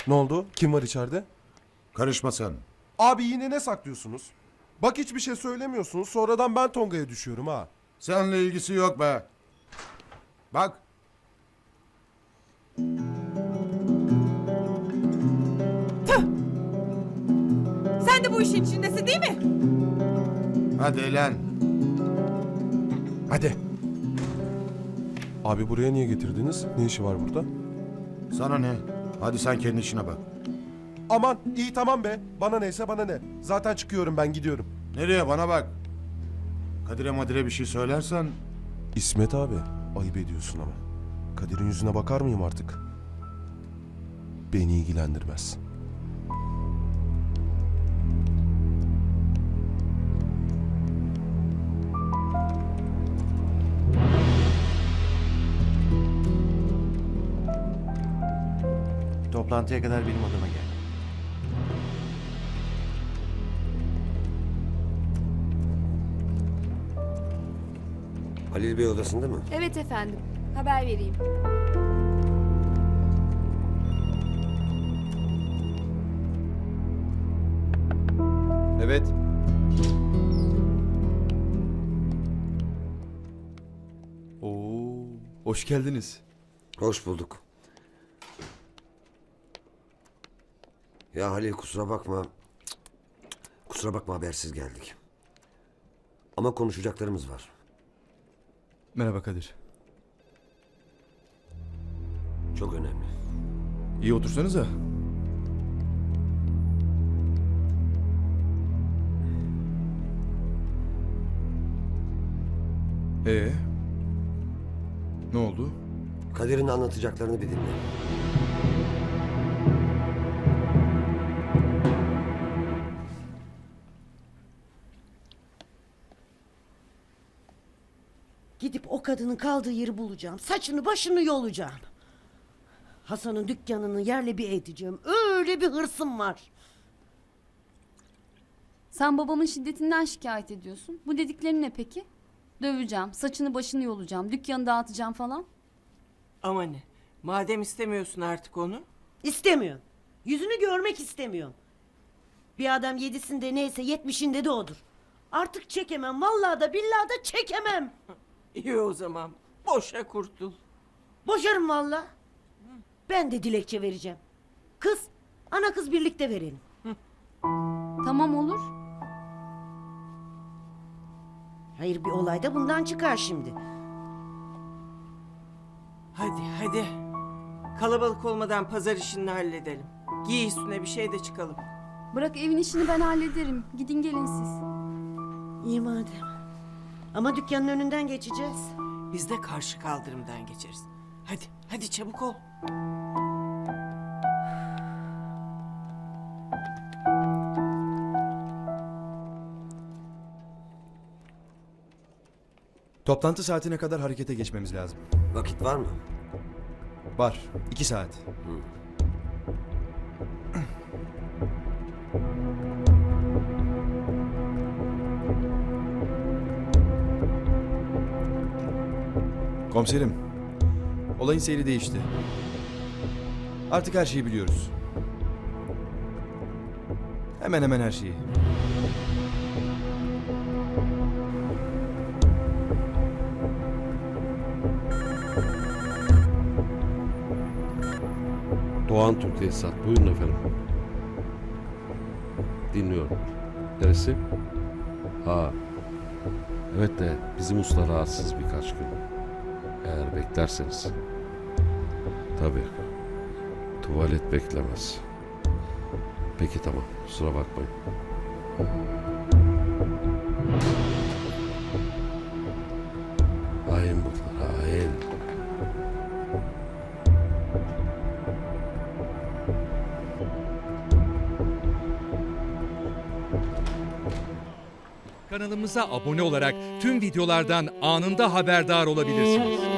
Ne oldu? Kim var içeride? Karışma sen. Abi yine ne saklıyorsunuz? Bak hiçbir şey söylemiyorsunuz. Sonradan ben Tonga'ya düşüyorum ha. Seninle ilgisi yok be. Bak. Sen de bu işin içindesin değil mi? Hadi lan. Hadi. Abi buraya niye getirdiniz? Ne işi var burada? Sana ne? Hadi sen kendi işine bak. Aman iyi tamam be. Bana neyse bana ne. Zaten çıkıyorum ben gidiyorum. Nereye? Bana bak. Kadir'e Madir'e bir şey söylersen... İsmet abi ayıp ediyorsun ama. Kadir'in yüzüne bakar mıyım artık? Beni ilgilendirmez. Toplantıya kadar benim odama gel. Halil Bey odasında mı? Evet efendim. Haber vereyim. Evet. Oo, hoş geldiniz. Hoş bulduk. Ya Halil kusura bakma. Kusura bakma habersiz geldik. Ama konuşacaklarımız var. Merhaba Kadir. Çok önemli. İyi otursanıza. Ne oldu? Kadir'in anlatacaklarını bir dinle. Gidip o kadının kaldığı yeri bulacağım. Saçını başını yolacağım. Hasan'ın dükkanını yerle bir edeceğim. Öyle bir hırsım var. Sen babamın şiddetinden şikayet ediyorsun. Bu dediklerin ne peki? Döveceğim, saçını başını yolacağım, dükkanı dağıtacağım falan. Ama ne? Madem istemiyorsun artık onu. İstemiyorum. Yüzünü görmek istemiyorum. Bir adam yedisinde neyse 70'inde de odur. Artık çekemem. Vallahi da billahi da çekemem. İyi o zaman. Boşa kurtul. Boşarım vallahi. Ben de dilekçe vereceğim. Kız, ana kız birlikte verelim. Tamam olur. Hayır bir olay da bundan çıkar şimdi. Hadi hadi. Kalabalık olmadan pazar işini halledelim. Giy üstüne bir şey de çıkalım. Bırak evin işini ben hallederim. Gidin gelin siz. İyi madem. Ama dükkanın önünden geçeceğiz. Biz de karşı kaldırımdan geçeriz. Hadi hadi çabuk ol. Toplantı saatine kadar harekete geçmemiz lazım. Vakit var mı? Var. 2 saat. Komiserim. Olayın seyri değişti. Artık her şeyi biliyoruz. Hemen hemen her şeyi. Doğan Türk Tesisat. Buyurun efendim. Dinliyorum. Neresi? Ha. Evet de bizim usta rahatsız birkaç gün. Eğer beklerseniz. Tabii. Tuvalet beklemez. Peki tamam. Kusura bakmayın. Hain bunlar. Hain. Kanalımıza abone olarak tüm videolardan anında haberdar olabilirsiniz.